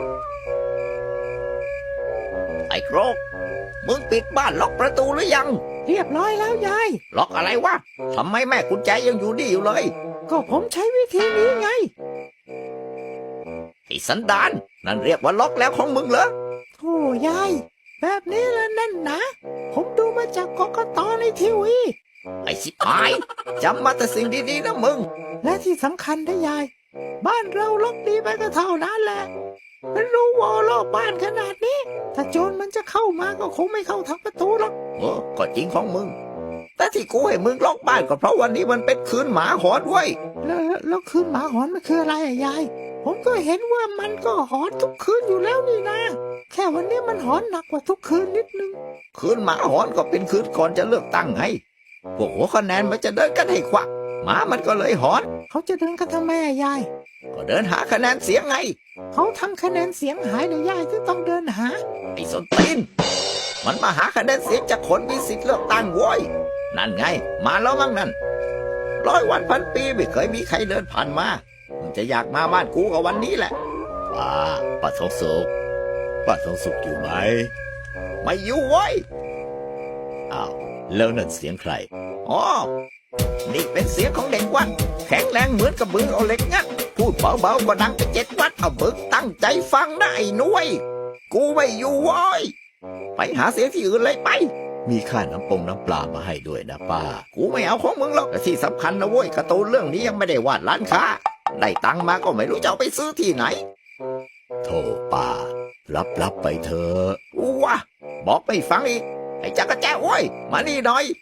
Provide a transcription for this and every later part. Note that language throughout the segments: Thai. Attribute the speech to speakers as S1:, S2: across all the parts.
S1: ไอ้โครกมึงปิดบ้านล็อกประตูหรือยัง
S2: เรียบร้อยแล้วยาย
S1: ล็อกอะไรวะทำไมแม่กุญแจยังอยู่นี่อยู่เลย
S2: ก็ผมใช้วิธีนี้ไง
S1: ไอ้สันดานนั่นเรียกว่าล็อกแล้วของมึงเหรอ
S2: โธ่ยายแบบนี้ละนั่นนะผมดูมาจากกกต.ในทีวี
S1: ไอ้ชิบหายจำมาแต่สิ่งดีๆนะมึง
S2: และที่สำคัญนะยายบ้านเราล็อกดีไปก็เท่านั้นแหละเป็นรูวอลรอบบ้านขนาดนี้ถ้าโจรมันจะเข้ามาก็คงไม่เข้าทางประตูหรอก
S1: ก็จริงของมึงแต่ที่กูให้มึงล็อกบ้านก็เพราะวันนี้มันเป็นคืนหมาหอนเว้ย
S2: แล้วคืนหมาหอนมันคืออะไรอะยายผมก็เห็นว่ามันก็หอนทุกคืนอยู่แล้วนี่นะแค่วันนี้มันหอนหนักกว่าทุกคืนนิดนึง
S1: คืนหมาหอนก็เป็นคืนก่อนจะเลือกตั้งไงพวกหัวคะแนนมันจะเดินกันให้ควักหมามันก็เลยหอน
S2: เขาจะเดินกันทำไมอะยาย
S1: ก็เดินหาคะแนนเสียงไง
S2: เขาทำคะแนนเสียงหายเลยยายที่ต้องเดินหา
S1: ไอ้ส้นตีนมันมาหาคะแนนเสียงจากคนมีสิทธิ์เลือกตั้งโว้ยนั่นไงมาแล้วมั้งนั่น100 วันพันปีไม่เคยมีใครเดินผ่านมามึงจะอยากมาบ้านกูกับวันนี้แหละป้าทองสุขอยู่ไหมไม่อยู่เว้ยอ้าวแล้วนั่นเสียงใครอ๋อนี่เป็นเสียงของเด็กวัดแข็งแรงเหมือนกับมือเอาเหล็กงัดพูดเบาๆก็ดังไป7 วัดเอาบึกตั้งใจฟังนะไอ้หนุ่ยกูไม่อยู่เว้ยไปหาเสียงที่อื่นเลยไปมีค่าน้ำปลามาให้ด้วยนะป้ากูไม่เอาของมึงหรอกแต่ที่สำคัญนะเว้ยการ์ตูนเรื่องนี้ยังไม่ได้วาดร้านค้าได้ตังค์มาก็ไม่รู้จะเอาไปซื้อที่ไหนโธ่ป้ารับไปเถอะวะบอกไม่ฟังอีกไอ้จักรแจ้โว้ยมานี่หน่อย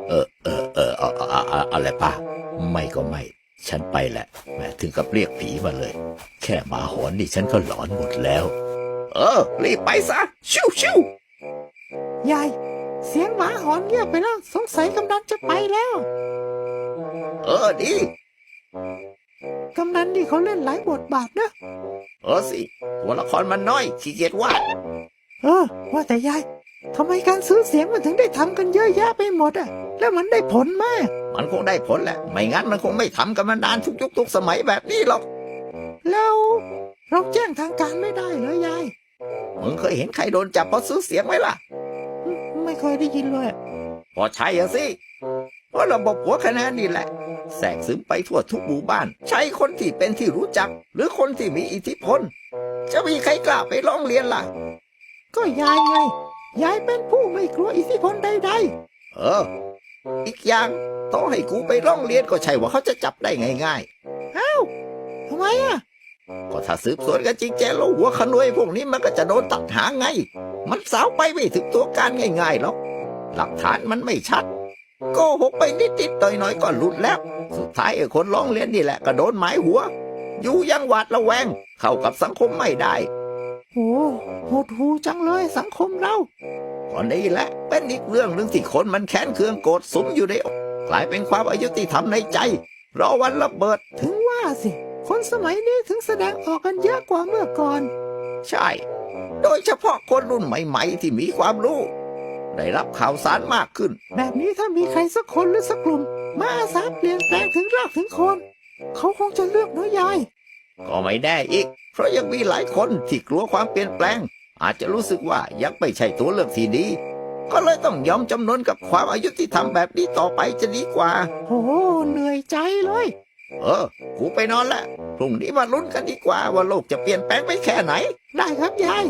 S1: อะไรป้าไม่ก็ไม่ฉันไปแหละแม่ถึงกับเรียกผีมาเลยแค่หมาหอนนี่ฉันก็หลอนหมดแล้วรีบไปซะชิวย
S2: ายเสียงหมาหอนเงียบไปแล้วสงสัยกำนันจะไปแล้ว
S1: ดี
S2: กำนันนี่เขาเล่นหลายบทบาทนะ
S1: สิตัวละครมันน้อยขี้เกียจวาด
S2: ว่าแต่ยายทำไมการซื้อเสียงมันถึงได้ทำกันเยอะแยะไปหมดอะแล้วมันได้ผลไหม
S1: มันคงได้ผลแหละไม่งั้นมันคงไม่ทำกันมานานทุกยุคทุกสมัยแบบนี้หรอก
S2: แล้วเราแจ้งทางการไม่ได้เหรอยาย
S1: มึงเคยเห็นใครโดนจับเพราะซื้อเสียงไหมล่ะ
S2: ไม่เคยได้ยินเลย
S1: พอใช่สิเพราะระบบหัวคะแนนนี่แหละแทรกซึมไปทั่วทุกหมู่บ้านใช้คนที่เป็นที่รู้จักหรือคนที่มีอิทธิพลจะมีใครกล้าไปร้องเรียนล่ะ
S2: ก็ยายไงยายเป็นผู้ไม่กลัวอิทธิพลใด
S1: ๆอีกอย่างต่อให้กูไปร้องเรียนก็ใช่ว่าเขาจะจับได้ง่าย
S2: ๆอ้าวทำไมอะ
S1: ก็ถ้าสืบสวนกันจริงแจ้แล้วหัวขโมยพวกนี้มันก็จะโดนตัดหางไงมันสาวไปไม่ถึงตัวการง่ายๆหรอกหลักฐานมันไม่ชัดโกหกไปนิดๆหน่อยๆก็หลุดแล้วสุดท้ายไอ้คนร้องเรียนนี่แหละก็โดนหมายหัวอยู่ยังหวาดระแวงเข้ากับสังคมไม่ได้
S2: โอ้โหดหูจังเลยสังคมเรา
S1: ก็นี่แหละเป็นอีกเรื่องหนึ่งที่คนมันแค้นเคืองโกรธสุมอยู่ในอกกลายเป็นความอายุติธรรมในใจรอวันระเบิด
S2: ถึงว่าสิคนสมัยนี้ถึงแสดงออกกันเยอะกว่าเมื่อก่อน
S1: ใช่โดยเฉพาะคนรุ่นใหม่ๆที่มีความรู้ได้รับข่าวสารมากขึ้น
S2: แบบนี้ถ้ามีใครสักคนหรือสักกลุ่มมาอาสาเปลี่ยนแปลงถึงรากถึงโคนเขาคงจะเลือกน้อยยาย
S1: ก็ไม่แน่อีกเพราะยังมีหลายคนที่กลัวความเปลี่ยนแปลงอาจจะรู้สึกว่ายังไม่ใช่ตัวเลือกที่ดีก็เลยต้องยอมจำนนกับความอายุที่ทำแบบนี้ต่อไปจะดีกว่า
S2: โอ้เหนื่อยใจเลย
S1: กูไปนอนละพรุ่งนี้มาลุ้นกันดีกว่าว่าโลกจะเปลี่ยนแปลงไปแค่ไหน
S2: ได้ครับยาย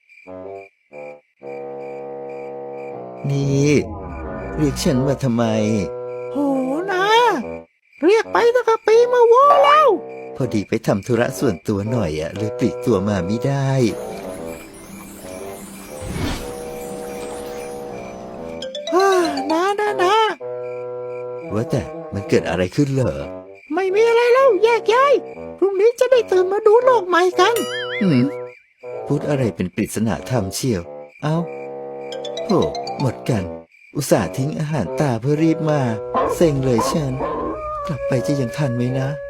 S1: นี่เรียกฉันมาทำไม
S2: โหนะเรียกไปตั้งแต่ปีมาโว้แล้ว
S1: พอดีไปทำธุระส่วนตัวหน่อยเลยปลีกตัวมาไม่ได้
S2: นะ
S1: ว่าแต่มันเกิดอะไรขึ้นเหรอ
S2: ไม่มีอะไรแล้วแยกย้ายพรุ่งนี้จะได้ตื่นมาดูโลกใหม่กัน
S1: พูดอะไรเป็นปริศนาธรรมเชียวเอ้าโหหมดกันอุตส่าห์ทิ้งอาหารตาเพื่อรีบมาเซ็งเลยฉันกลับไปจะยังทันไหมนะ